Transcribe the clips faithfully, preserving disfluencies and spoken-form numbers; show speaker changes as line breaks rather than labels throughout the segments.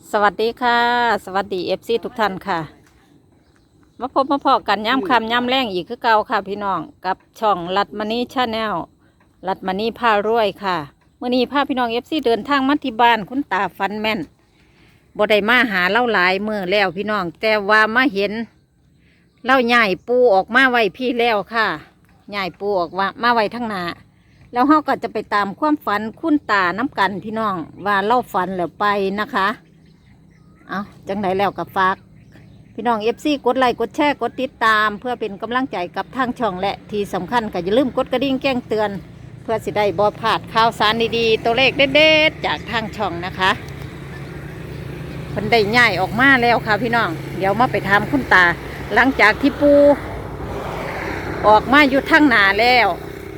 สวัสดีค่ะ สวัสดีเอฟซีทุกท่านค่ะมาพบมาพอกันย้ำคำย้ำแรงอีกคือเก่าค่ะพี่น้องกับช่องรัดมณีชาแนลรัดมณีพารวยค่ะเมื่อนี้พาพี่น้องเอฟซีเดินทางมาที่บ้านคุณตาฟันแม่นบ่ได้มาหาเล่าหลายเมื่อแล้วพี่น้องแต่ว่ามาเห็นเล่าใหญ่ปูออกมาไว้พี่แล้วค่ะใหญ่ปูออกว่ามาไว้ทั้งหนาแล้วเขาก็จะไปตามความฝันคุณตาน้ำกันพี่น้องว่าเล่าฝันแล้วไปนะคะเอาจังไหนแล้วกับฝากพี่น้องเอฟซีกดไลค์กดแชร์กดติดตามเพื่อเป็นกำลังใจกับทางช่องและที่สำคัญก็อย่าลืมกดกระดิ่งแจ้งเตือนเพื่อสิได้บ่พลาดข่าวสารดีๆตัวเลขเด็ดๆจากทางช่องนะคะคนได้ย่ายออกมาแล้วค่ะพี่น้องเดี๋ยวมาไปทำคุณตาหลังจากที่ปูออกมาอยู่ทั้งหนาแล้ว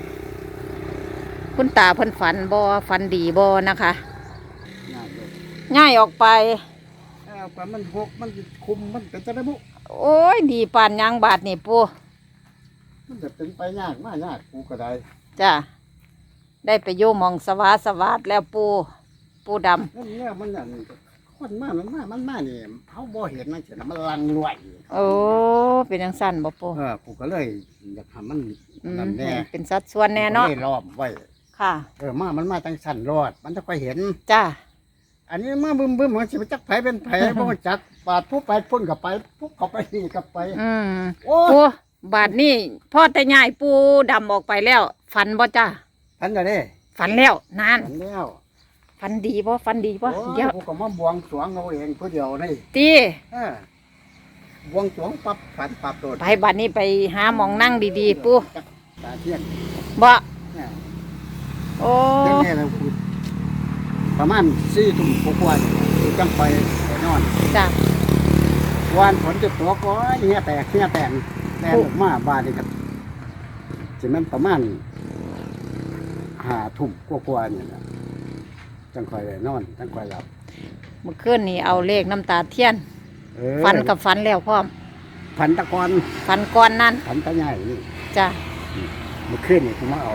คุณตาเพิ่นฝันบ่ฝันดีบ่นะคะง่ายออกไป
เออปมันหกมันคุมมันเป็นจะได้บุ
โอ้ยดีปานยางบาดนี่ปู
มันจะเป็นไปยากมากยากกูก็ได้
จ้ะได้ไปโยมองสวาสวาดแล้วปูปูดำ
นั่นเนี่ยมันอย่างคนมากมันมากมันมากนี่เขาบ่เห็นนั่นเฉยมันลังรวย
โอ้เป็นยังสั้นบ่ปู
เออกูก็เลยอยากทำมันนั่นแน่
เป็นสัดส่วนแน่เนาะ
เลยล้อมไว้
ค่ะ
เออมามันมาตั้งสั่นรอดมันจะค่อยเห็น
จ้ะ
อันนี้มาบึ้มบึ้มมันจะไปจักไผเป็นไผ บ่รู้จักปาดผู้ไปพุ่นกับไปผู้เขาไปนี่กับไป
อืม
โอ้
ปูบาดนี่พ่อแต่ยายปูดำออกไปแล้วฝันบ่จ้ะ
พันก็ได้
ฝันแล้วนาน
พันแล้ว
ฝันดีบ่ฝันดีบ่
โอ้
เดี๋ยว
กูก็มาบวงสรวงเอาเองผู้เดียวนี่
ตี
เออบวงสรวงปับฝันปับโดด
ไปบาดนี้ไปหาหมองนั่งดีๆปู
ตาเทียน
บ่
เนี่ย
โอ้
เรื่องนี้เราพูดประมาณสี่ทุ่มกว่าๆคือจังไปไปนอน
จ้ะ
วันฝนจะตกก็เหี้ยแตกเหี้ยแตกแตกออกมาบาดนี่ครับจะมันประมาณห้าทุ่มกว่าๆนี่นะจังคอยไปนอนจังคอยหลับ
เมื่อคืนนี่เอาเลขน้ำตาเทียน
เออ
ฝันกับฝันแล้วพร้อม
ฝันตะกอน
ฝันก่อนนั้น
ฝันตะใหญ่นี่
จ้ะ
เมื่อคืนนี่ผมมาเอา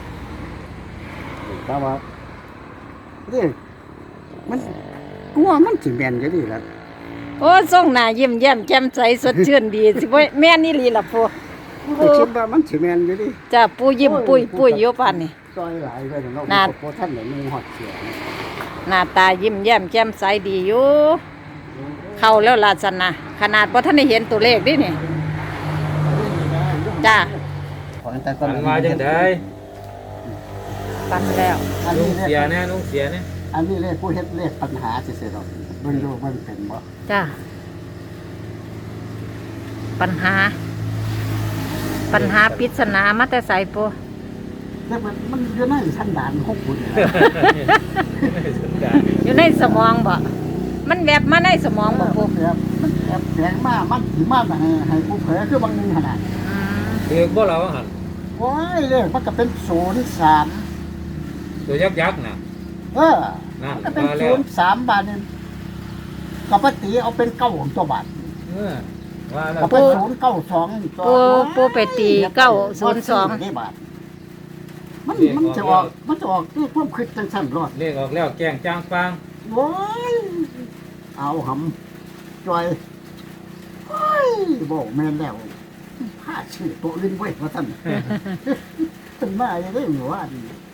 เพราะว่าเรื่องมันกลัวมันสิแม่นอยู่ดีล่ะ
โอ้ส่งหน้ายิ้มแย้มแจ่มใสสดชื่นดี สิบ่แม่นนี่ลีล่ะปู
กูคิดว่ามันสิแม่นอยู่ดิ
จ้ะปูยิ้มปุ้ยปุ้ยอยู่ปานนี่
ซอยหลายไปเนาะ
น่า
โปท่านไหนมีฮอดเสีย
หน้าตายิ้มแย้มแจ่มใสดีอยู่ เข้าแล้วล่ะสันนะขนาดบ่ทันได้เห็นตัวเลขดินี่จ้ะ
ขอแต่ก็
ฝันมาจังได
ฝันแล้ว
อัน
ลุ
นี้
ง
เล
เสีย
ข
แน่ลุงเสียแน่
อันนี้เลขผู้เฮ็ดเลขปัญหาสิเสียดอกเบิ่งดูมันเป็นบ่
จ้ะปัญหา ปัญหาปริศนามาแต่ไสปู
แต่มันมันอยู่ในสันดานของคุณนี่แหละ
อยู่ในสมองบ่มันแวบมาในสมองบ่ปู
แบบมันแอบแฝงมามันสิมาให้ให้ผู้เผยคือบางนึงขนาด
อืม
เด็กบ่เราหัน
โอ้ยเลขมันก็เป็นศูนย์สาม
ตัวยักษ์ยักษ์น่ะ
เออ
นั่น
มันก็เป็น
มาแล้
ศู
วน
ย์สามบาทนี่ก็ปฏิเอาเป็นเก้าของตัวบาท
เออว่าแล้ว
ก็เป็นศูนย์เก้าสองตัว
ปูปูไปตีเก้าศูนย์สอง
ได้บาทมันมันจะออกมันจะออกที่เพิ่มขึ้นจังสั้นรอด
เลขออกแล้วแกล้งจ้างฟาง
โอ้ยเอาหำจอยโอ้ยบอกแม่นแล้วผ้าชื่อตัวอื่นไว้ว่าท่านเป็นมาอย่างได้หรือว่าดี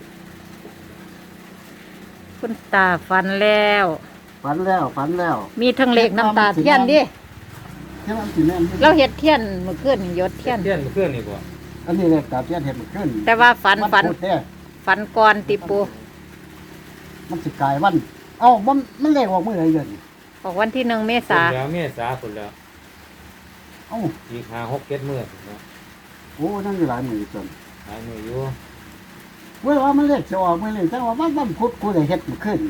คุณตาฝันแล้ว
ฝันแล้วฝันแล้ว
มีทั้งเลขน้ำตาเทียนดิ
แค่นั้นสิแม่น
เราเฮ็ดเทียนเมื่อคืนนี่ยศเทียน
เพื่อนเพื่อนนี่บ่
อันนี้เลยตาเทียนเห็นมันขึ้น
แต่ว่าฝันฝัน
พุธเด้
ฝันก่อนติปู
มันสิกลายวัน เอ้ามันมันเลขออกเมื่อไหร่เดือน
ออกวันที่หนึ่งเม
คน
ษา
แล้วเมษาคนแล้ว
เอ้า
อีกห้าหกเจ็ดมื้อเนาะ
โอ้นั่นอยู่หลายหมื่นจน
หลายมื้ออยู่
เว้ยว่ามันเลขจะออกเมื่อไหร่แต่ว่าวันวันพุธกูได้เฮ็ดมันขึ้น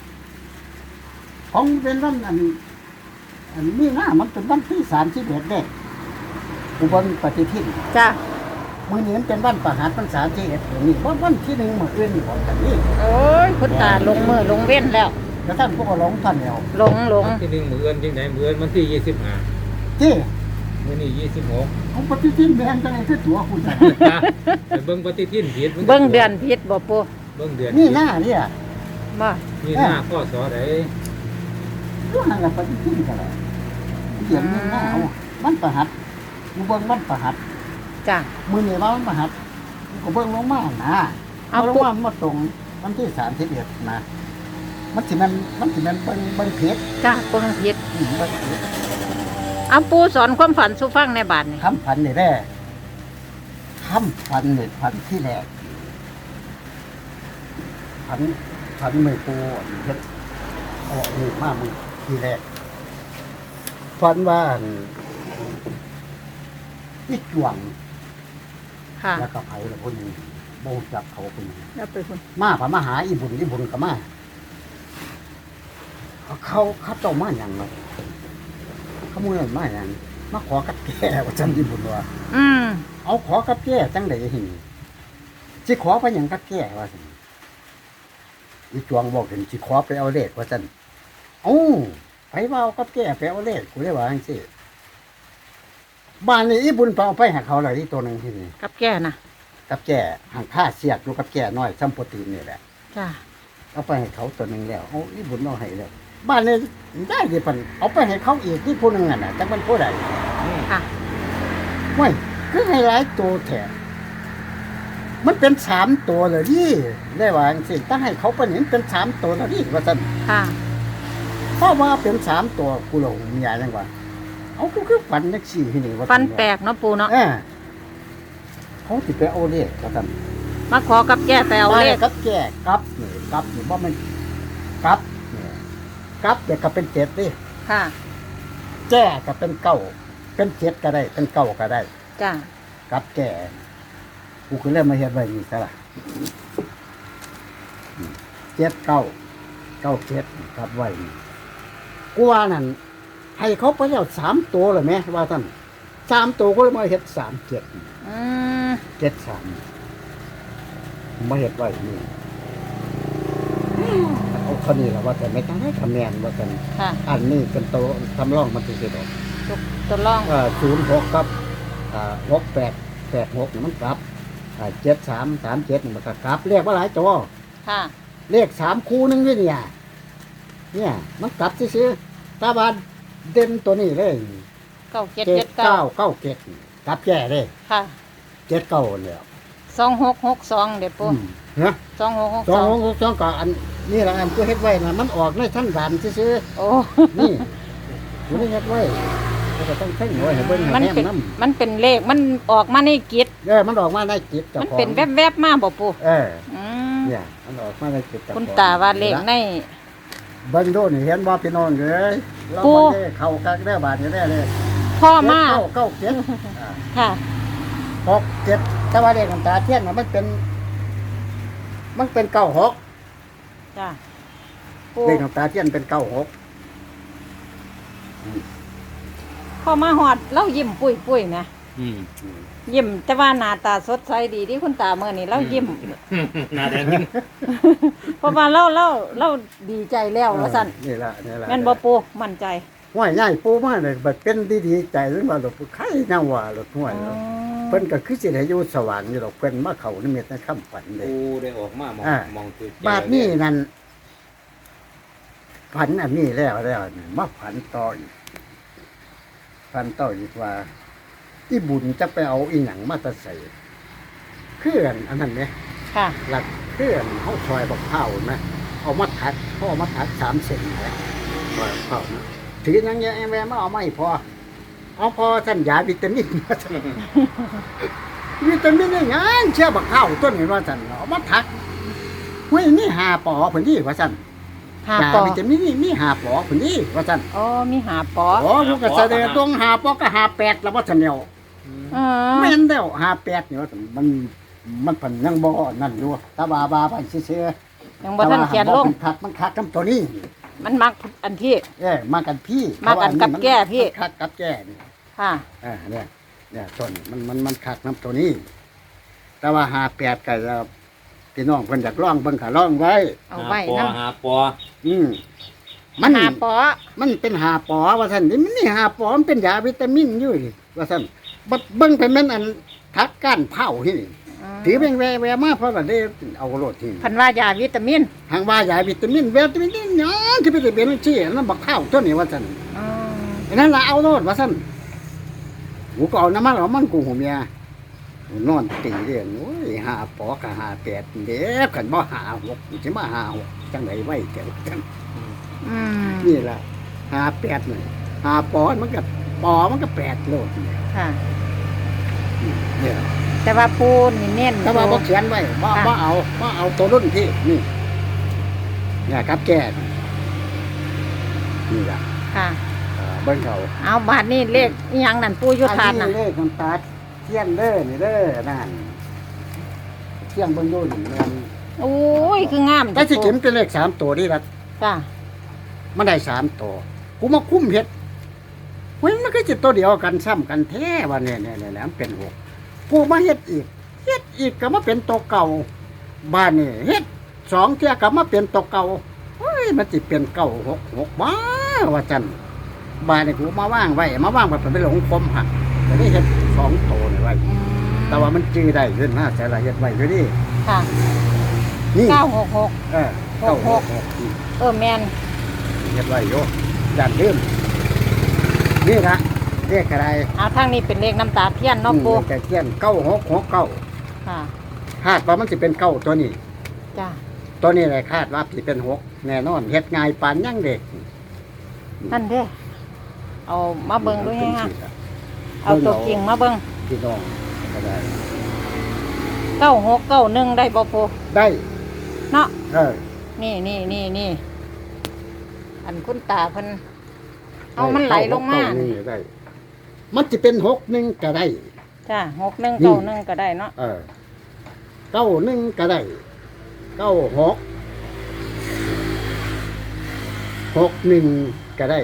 ของเป็นวันอันอันนี้หน้ามันเป็นวันที่สามสิบเอ็ดเด้อุบลปฏิทิน
จ้ะ
มื้อนี้มันเป็นวันประหารพรรษาที่เอ็ดนี่วันวันที่หนึ่งมื้ออื่นนี่ของกันนี่
โอ้ยคุณตาลงมือลงเว้นแล้ว
แล้วท่านพวกก็หลงท่านแล้ว
หลงหลง
วันที่หนึ่งมื้ออื่นจังไดมื้ออื่นวันที่ยี่สิบห้า
ที่
มื้อนี้ยี่สิบหก
ของปฏิทินแม่นจังได๋คือตัวคุณจ้ะ
ไปเบิ่งปฏิทินผิดมันก็
เบิ่งเดือนผิดบ่ปู
เบิ่งเดือน
นี่
ผิด
หน้าเนี่ย
บ่
นี่หน้าข้อสอใด
เอตัวนั้นละปฏิทินกันเลยเดี๋ยวนี้หน้าเอามันประหัดกูเบิ่งมันประหัด
จ้ะ
มือนี่ว่ามันประหัดกูเบิ่งลงมานะ
เอา
เอาลง
ปุ๊บ
มามาตรงวันที่สามสิบเอ็ดนะมันสิมันมันสิมันเบิ่งเบิ่งเพชร
จ้ะปูนังพิษ
อืมเบิ่งเพชร
เอาปูสอนความฝันสู่ฟังในบาทนี่
คำพันนี่แร่คำพันนี่พันที่แรกพันพันมือปูเพชรออกนี่มามือที่แรกพันว่าอั่นอีจวง
ค่ะ
แล้วก็ไผ่ละคนหนึ่งโบจับเขาคนหนึ่ง
แล้วไปคุณ
มาพามาหาอีบุญอีบุญก็มาเขาเขาเขาเจ้ามาอย่างไรเขามือมาอย่างมาขอกับแก่ว่าจันอีบุญว่า
อืม
เอาขอกับแก่จังไดหินสิขอไปอย่างกับแก่ว่าสันอีจวงบอกเห็นสิขอไปเอาเลขว่าจันเอ้าไปว่าเอากับแก่ไปเอาเลขกูได้ว่าจังซี่บ้านนี้อีบุญไปเอาไปให้เขาเลยที่ตัวหนึ่งที่นี่
กับแก่น่ะ
กับแก่ห่างผ้าเสียดอยู่กับแก่น้อยซัมโปรตีนนี่แหละ
จ้ะ
เอาไปให้เขาตัวหนึ่งแล้วเอาอีบุญเอาให้แล้วบ้านนี้ได้ดิปันเอาไปให้เขาอีกที่ผู้หนึ่งอ่ะนะจังมันผู้ใด
ค่ะ
เว้ยคือให้หลายตัวแถมมันเป็นสามตัวเลยนี่ได้ว่าจังสิตั้งให้เขาเป็นเห็นเป็นสามตัวแล้วนี่ว่าซั่น
ค่ะ
เพราะว่าเป็นสามตัวกูหลงมีอะไรจังว่าเอากูคือฝันจักสี่ที่นี่ว่าซั่
ฟันแปลกเนาะปูเนาะ
เออเขาสิไปเอาเลขว่าซั่น
มาขอกับแก่ไปเอาเลข
บ้นกับแก่กับนี่กับนี่บ่แมันกับนี่กับเด็กก็เป็นเจ็ดดิ
ค่ะ
แก่ก็เป็นเก้าเป็นเจ็ดก็ได้ เป็นเก้าก็ได้
จ้ะ
กับแก่กูคือเริ่มมาเฮ็ดไว้นี่ซะล่ะอืมเจ็ดเก้าเก้าเจ็ดกับไว้นี่กูว่านั่นให้เขาไปแล้วสามตัวเลยไหมว่าท่านสามตัวก็เลยมาเฮ็ดสามเจ็ด
อืม
เจ็ดสามมาเฮ็ดไว้นี่เอาคนนี้ละว่าแต่ไม่ต้องให้คะแนนว่าแต่
ค่ะ
อันนี้เป็นตัวทำร่องมันติดดอก
ตัวตัวร่อง
เอ่อศูนย์หกกับอ่าหกแปดแปดหกมันกลับอ่าเจ็ดสามสามเจ็ดมันก็กลับเรียกว่าหลายตัว
ค่ะ
เลขสามคู่นึงด้วยเนี่ยเนี่ยมันกลับซื้อๆตาบานเด่นตัวนี้เลย
เก้าเจ็ด
เจ็
เจ็
ด
ดเก้า
เก้าเก้าเจ็ดกลับแก่เลย
ค่ะ
เจ็ดเก้าเลย
สองหกหกสองเดี๋ยวปู
อืมนะ
สองหกหก
สอ
ส
ง
อง
สองสองก็อันนี่แหละอันก็เฮ็ดไว้นะมันออกในท่านด่านซื้อ
โอ้
ๆนี่กูได้เฮ็ดไว้แล้วก็ต้องเพ่งไว้ให้เบิ่งให้
มัน
แนม
เป็น
น้
มันเป็นเลขมันออกมาในกิจ
ำเออมันออกมาในจิตเจ้า
มัน
ของ
เป็นแวบๆมาบ่ปู
เออ
อืม
เนี่ยมันออกมาในจิตเจ้าของ
คุณตาว่าเลขใน
เบิ่งดูนี่เห็นบ่พี่น้องเอ้ยเรา
ปู่
บ่ได้เข้ากักได้บาดนี้ได้เลย
พ่อมา
เก้าเก้าเจ็ดอ่า
ค่ะ
หกเจ็ดแต่ว่าเลขน้ำตาเทียนน่ะมันเป็น มันเป็นเก้าหก
จ้ะปู
เลขน้ำตาเทียนเป็นเก้าหก
พ่อมาหอดเรายิ้มปุ้ยปุ้ยๆนะ
อืม
ยิ้มแต่ว่าหน้าตาสดใสดีที่คุณตาเมื่อนี้เรายิ้ม
หน้าแดงยิ้ม
เพราะว่าเราเราเราดีใจแล้วว่าสั่น
นี่ล่ะนี่ล่ะ
แม่นบ่ปูมั่นใจ
ห้วยใหญ่ปูมาเลยบัดเป็นดีๆใจหรือว่าดอกไข่แนวว่าดอกห้วย
อ๋อ
เพิ่นก็คือสิได้อยู่สว่างอยู่ดอกเพิ่นมาเข้านิมิตในคำฝันเด้
กูได้ออกมามอง
อ่า
มองคือ
บาดนี้นั่นฝันอันนี้แล้วแล้วนี่มาฝันต่ออีกฝันต่ออีกว่าอีบุญจะไปเอาอีหยังมาแตะใส่เคลื่อนอันนั้นไหม
ค่ะ
หลักเคลื่อนเขาซอยบักเผานะเอามาทัดเขาเอามาทัดสามเซนนะซอยบักเผานะถือนังแย่แม่มาเอาไม่พอ เอาพอท่านยาวิตามินมาท่านวิตามินนี่งานเชื่อบักเผาต้นนี่ว่าท่านเอามาทัดเฮ้ยนี่หาปอผลดีว่าท่าน
หาย
า
ปอ
วิตามินนี่มีหาปอผลดีว่าท่าน
อ๋อมีหาปอ
โอ้ลูกก็แสดงตรงหาปอก็หาแปดแล้วว่าท่านเนี่ย
อ๋อ
แม่นแล้วหาแปดนี่ว่าท่านมันมันเป็นยังบ่นั่นอยู่ตาบาบาไปเชื่อ
ยังบ่ทันเขียนลง
คักมันคักกับตัวนี้
มันมักอันที่
เอ้ยมากันพี่
มากันกับแก้พี่
มันคักกับแก้นี่
ค่ะ
เอ่าเนี่ยเนี่ยต้นมันมันมันคักน้ำตัวนี้ แต่ว่าหาแปดก็จะพี่น้องเพิ่นอยากร้องเบิ่งก็ร้องไว้
เอาไว้
หาปอ
นะ
หาปอ
อืมมัน
หาปอ
มันเป็นหาปอว่าซั่นนี่มันนี่หาปอมันเป็นยาวิตามินอยู่นี่ว่าซั่นบัดเบิ่งไปแม่นอันทักก้านเผาที่นี่
อืม
เตีแบงแวแวมาเพราะว่าได้เอาโลดทิ้ง
พันว่ายาวิตามิน
หางว่ายาวิตามินวิตามินนี่หยังที่ไปได้เป็นซี่นั่นบักข้าวตัวนี้ว่าซั่น
อ๋อ
อันนั้นล่ะเอาโลดว่าซั่นกูก็เอาน้ำมันเอามันกูหูเมียนอนตีเรียนโอ้ยหาปอกะหาแปดเด้อกันบ่หาหกสิมาหาหกจังไดไว้แก่จัง
อืม
นี่ล่ะหาแปดนี่หาปอมันก็ปอมันก็แปดโลดเนี่ย
ค่ะ
เนี่ย
แต่ว่าปูนี่เน้น
แต่ว่าบ่เขียนไว้บ่บ่เอาบ่เอาตัวรุ่นที่นี่เนี่ยครับแก่นี่ล่ะ
ค่ะ
เอ่อเบิ่งเขา
เอาบาทนี่เลขอิหยังนั่นปูอยุทาน
อั
น่ะ
เลขมันตัดเทียนเด้อนี่เด้อนั่นเทียนเบิ่งดูนี่มัน
โอ้ยคืองาม
แต่สิเข็มเป็นเลขสามตัวนี่ล่ะ
จ้ะ
มันได้สามตัวกูมาคุ้มเฮ็ดเฮ้ยมันก็สิตัวเดียวกันซ้ำกันแท้ว่าเนี่ยเนี่ยเนี่ยมันเป็นหกกูมาเฮ็ดอีกเฮ็ดอีกก็มาเป็นตัวเก่าบ้านนี่เฮ็ดสองเที่ยก็มาเป็นตัวเก่าเฮ้ยมันสิเป็นเก่าหกหกบ้าว่าจันบ้านนี่กูมาว่างไว้มาว่างแบบไปหลงคมหักแต่นี่เฮ็ดสองตัวนี่ไว้
อืม
แต่ว่ามันจื้อได้ขึ้นนะแต่ละเฮ็ดไว้อยู่นี่
ค่ะ
นี่
เก้าหกหก
เออเก้าหกหกนี่
เออแมน
เฮ็ดไว้อยู่ด้านเดิมนี่ละเรียกอะไร
เอาทางนี้เป็นเลขน้ำตาเทียนเนาะปู
อืมแต่เทียนเก้าหกหกเก้า
ค่ะ
คาดว่ามันสิเป็นเก้าตัวนี้
จ้ะ
ตัวนี้แหละคาดว่าสิเป็นหกแน่นอนเฮ็ดง่ายปานยังเด็ก
นั่นเด้อเอามาเบิ่งด้วยฮะเอาตัวจริงมาเบิ่ง
พี่น้องก็ได้
เก้าหกเก้าหนึ่งได้บ่ปู
ได้
เนาะ
เออ
นี่นี่นี่นี่อันคุณตาเพิ่นเอามันไหลลงมา
เก้หกเก้นี่ได้ มันจะเป็นหกหนึ่งก็ได้
จ้ะหกหนึ่ง
นี่
เก้าหนึ่งก็ได้เนาะ
เออเก้าหนึ่งก็ได้เก้าหกหกหนึ่งก็ได้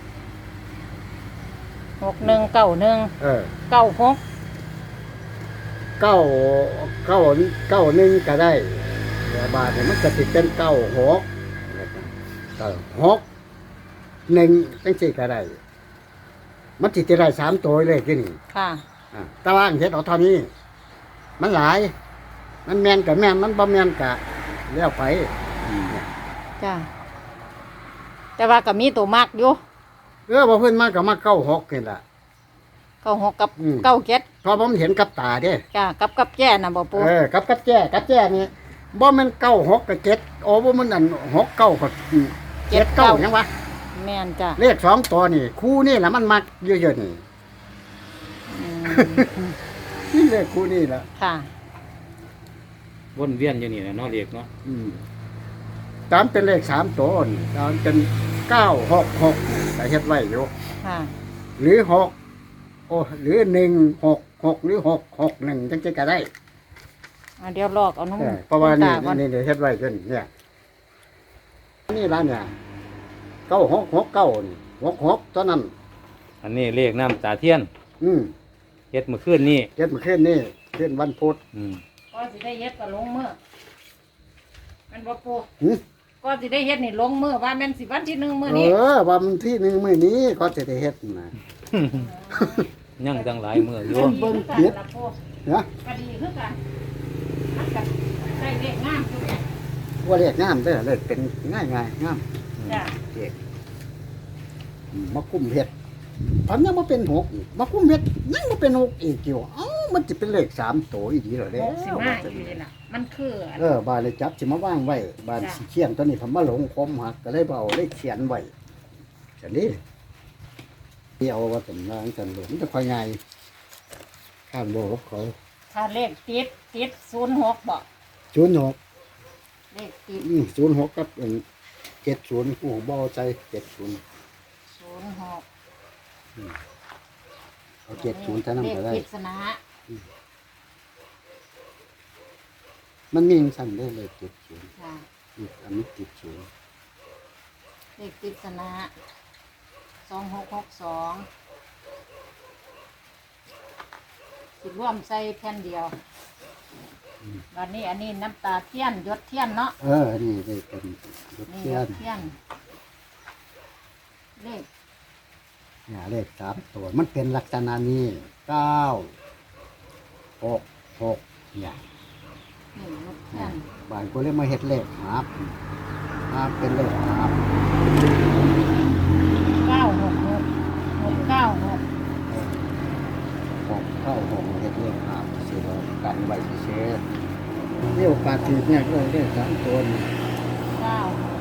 หกหนึ่งเก้าหนึ่ง
เออ
เก้าหก
เก้าเก้าเก้าหนึ่งก็ได้เดี๋ยวบาทเนี่ยมันจะติดเป็นเก้าหกเก้าหกหนึ่งจังสี่ก็ได้ มันติดจะได้สามตัวเลยที่นี่
ค่ะ
อ่าแต่ว่าเฮ็ดเอาเท่านี้ มันหลาย มันแมนกับแมนมันบ่แมนกับเลี้ยวไปอืม
จ้ะแต่ว่าก็มีตัวมากอยู่
เออบ่เพิ่นมาก็มาเก้าหกนี่ล่ะ
เก้าหกกับ
อืม
เก้าเจ็ด
เพราะผมเห็นกับตาเด้
จ้ะกับกับแจ้น่ะบ่ปู
เออกับกับแจ้กับแจ้นี่บ่แม่นเก้าหกกับเจ็ดโอ้บ่มันอันหกเก้ากับเจ็ดเก้าหยังวะ
แม่นจ้ะ
เลขสองตัวนี่ คู่นี่แหละมันมักเยอะๆนี่
อืม
นี่เลขคู่นี่แหละ
ค่ะ
วนเวียนอยู่นี่แหละเนาะเรียกเนาะ
อืมตามเป็นเลขสามตัวนี่ตามเป็นเก้าหกหกแต่เฮ็ดไว้อยู่
ค่ะ
หรือหกโอ้หรือหนึ่งหกหกหรือหกหกหนึ่งจังๆก็ได้
เอาเดี๋ยวลอกเอาน้อง
เออเพราะว่านี่
ตาก่อน
นี่นี่เฮ็ดไว้จนเนี่ยนี่ร้านเนี่ยเก้าหกหกเก้านี่หกหกตัวนั้น
อันนี้เรียกน้ำตาเทียน
อืม
เฮ็ดเมื่อคืนนี่
เฮ็ดมาขึ้นนี่ขึ้นวันพุธ
อืม
ก็สิได้เฮ็ดก็ลงมือแม่นบ่ปู
หึ
ก็สิได้เฮ็ดนี่ลงมือว่าแม่นสิวันที่หนึ่งมื้อ
เอ
นี้
อวันที่หนึ่งมื้อนี้ก็จะได้เฮ็ดนะ
ยังตั้งหลายมืออยู่
เบิ่งเบิ่งเฮ็ด นะ
ก็ดีคือกันมันก็ได้เลขงามอยู่เนี่ย
ว่าเรียกงามเด้อเลยเป็นง่ายง่ายๆงาม
จ้ะ
เด็กอืมมาคุ้มเฮ็ดตอนนี้มาเป็นหกอีกมาคุ้มเฮ็ดยังมาเป็นหกอีกอยู่เอ้ามันจะเป็นเลขสามตัวอีกทีเหรอเด้
หกสิบห้าอยู่นี่ล่ะมันคืออัน
เออบานเลยจับสิมาว่างไว้บาน
จ้ะ
สีเขียนตัวนี้ผมมาหลงคมหักก็เลยเบเอาเลยเขียนไว้ฉันนี่เดียวว่าเป็นนางฉันหลงจะคอยไงข้ามโบกับเขา
ถ้าเลขติดติดศูนย์หกบ่
ศูนย์หก
เลขติด
ศูนย์หกกับเจ็ดศูนย์หัวบอใจเจ็ดศูนย์
ศูนย์หก
เอาเจ็ดศูนย์เท่านั้นก็ได้
เลขปริศนา
มันมีอย่างสั่นได้เลยเจ็ดศูนย์
ค่ะ
อีกอันนี้เจ็ดศูนย์
เลขปริศนาสองหกหกสองสิร่วมใส่แผ่นเดียววันนี้อันนี้น้ำตาเทียนหยดเทียนเนาะ
เออนี่ได้เป็นรถ
นี่
เที
ห
ย
ย
น
ดเทียนเลข
เนี่ยเลขสามตัวมันเป็นลักษณะนี้เก้าหกหกเนี่ย
นี่ลูกนั่น
บ้านกูเลยมาเฮ็ดเลขหาบหาบเป็นเลขหาบ
เก้าหกหกหกเก้าหก
หกเข้าหกเฮ็ดเลขหาบสิเรากันไว้เฉยๆมีโอกาสถือเนี่ยเลยได้สามตัวนี่
เก้าหก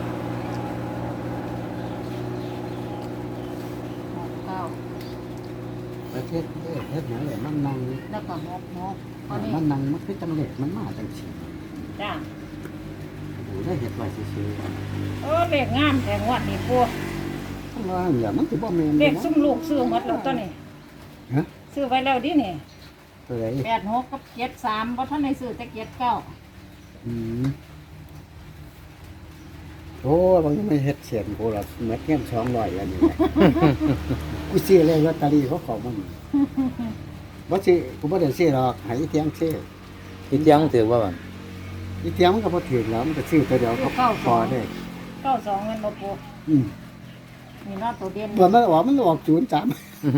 หกเก้า
ประเทศเลขเฮ็ดหยังเลยมันนั่ง
แล้วก็หกหกอันนี้
มันนั่งมันคือจังเลขมันมาจังซี่
จ้า
โอ้ได้เฮ็ดไว้เฉย
เออเลขงามแต่งวดนี่ปู
ๆข้างล่างอย่ามันสิบ่แม่น
เลขซุ่มลูกซื้อหมดแล้วตัวนี้
ฮะ
ซื้อไว้แล้วดินี่
ตัวไหน
แปดหกกับเจ็ดสามเพราะท่านในซื้อแต่เจ็ดเก้า
อืมโอ้บางทีไม่เฮ็ดเสียนกูละเม็ดเงี้ยสองร้อยอันนี้แหละ กูซื้อเลยลอตเตอรี่เขาขอมันบ่สิกูบ่ได้ซื้อหรอกให้อีเทียงซื้อ
ที่เที่ยงถือว่าบัน
อีเทียงมันก็บ่ถูกแล้วมันก็ซื้อตัวเดียวก็พอได้
เก้าสองเงินบ่ปู
อืม
มีนอตัวเด่น
บ่มันออกมันออกศูนย์สาม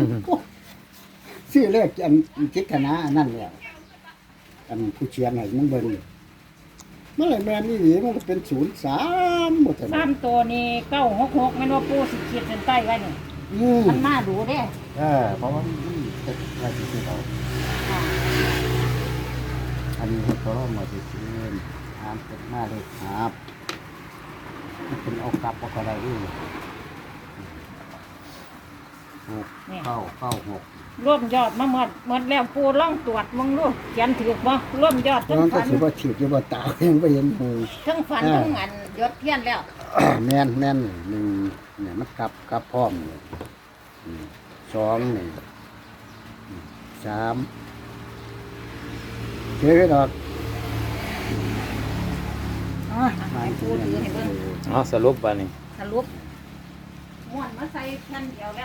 ซื้อเลขอันจิตคณะอันนั้นแหละอันผู้เชียงให้มันเบิ่งมันเลยแม่นอีหลีมันก็เป็นศูนย์สามหมดแต่
สามตัวนี้เก้าหกหกแม่นว่าปูสิขีดเส้นใต้ไว้นี่
อืม
มันน่าดูเด้
เออเพราะว่ามันเป็นอะไรที่เรา
ค่ะ
อันนี้เขาเอามาติดเงินทานเป็นมาเลยครับมันเป็นเอากลับเอาอะไรนี่หกเข้าเข้าหก
ร่วมยอดมาหมดหมดแล้วปูล่องตรวจมึงดูเขียนถือบ่ร่วมยอดทั้ง
มันก็
ฝัน
ถือว่าถีบอยู่บ่ตายังไม่เห็นหู
ทั้งฝันทั้งอันยศเทียนแล้ว
แม่นแม่นหนึ่งเนี่ยมันกลับกลับพร้อมเนี่ยอืมสองนี่อืมสามเจ๊ไปดอกอ่ะ
ให้ปูถือให้เบิ่ง
เอาสรุปบันนี้
สรุปม้วนมาใส่แผ่นเดียวแล้ว